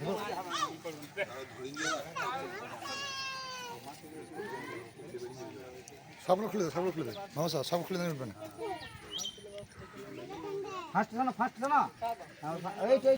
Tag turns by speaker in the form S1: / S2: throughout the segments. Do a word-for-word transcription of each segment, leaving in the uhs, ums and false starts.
S1: সবগুলো খুলে দেবে, সবগুলো খুলে দেবে মামা সাহেব, সব খুলে দেবে উঠবে না।
S2: ফার্স্ট না ফার্স্ট না এই এই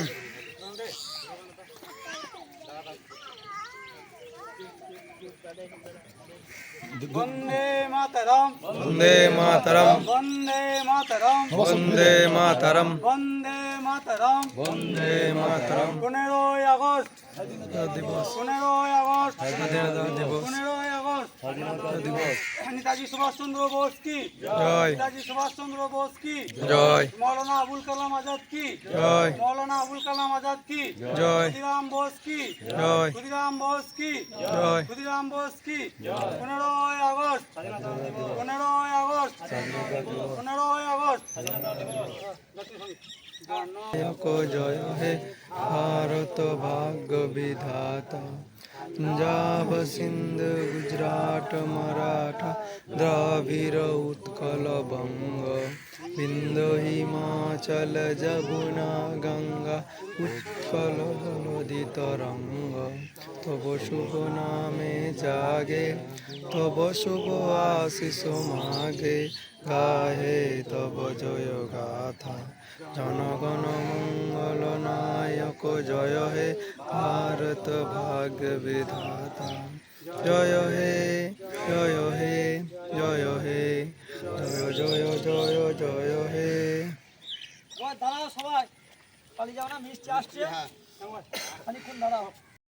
S2: वंदे मातरम
S3: वंदे मातरम
S2: वंदे मातरम
S3: वंदे मातरम
S2: वंदे मातरम
S3: वंदे मातरम
S2: पंद्रह আগস্ট
S3: दिवस
S2: पंद्रह আগস্ট
S3: স্বাধীনতা দিবস
S2: पंद्रह আগস্ট
S3: স্বাধীনতা দিবস
S2: नेताजी सुभाष चंद्र बोस की
S3: জয়
S2: नेताजी सुभाष चंद्र बोस की
S3: জয়
S2: मौलाना अबुल कलाम आजाद की
S3: জয়
S2: मौलाना अबुल कलाम आजाद की
S3: জয়
S2: खुदीराम बोस की
S3: জয়
S2: खुदीराम बोस की
S3: জয়
S2: खुदीराम बोस की पंद्रह আগস্ট पंद्रह আগস্ট पंद्रह আগস্ট
S3: को जय हे भारत भाग्य विधाता पंजाब सिंध गुजरात मराठा द्राविड़ उत्कल बंग बिंदु हिमाचल जमुना गंगा उत्कल जलधि तरंग तब शुभ नामे जागे तब शुभ आशीष मागे गाहे तब जय गाथा जनगण मंगल नायक जय हे भारत भाग्य विधाता जय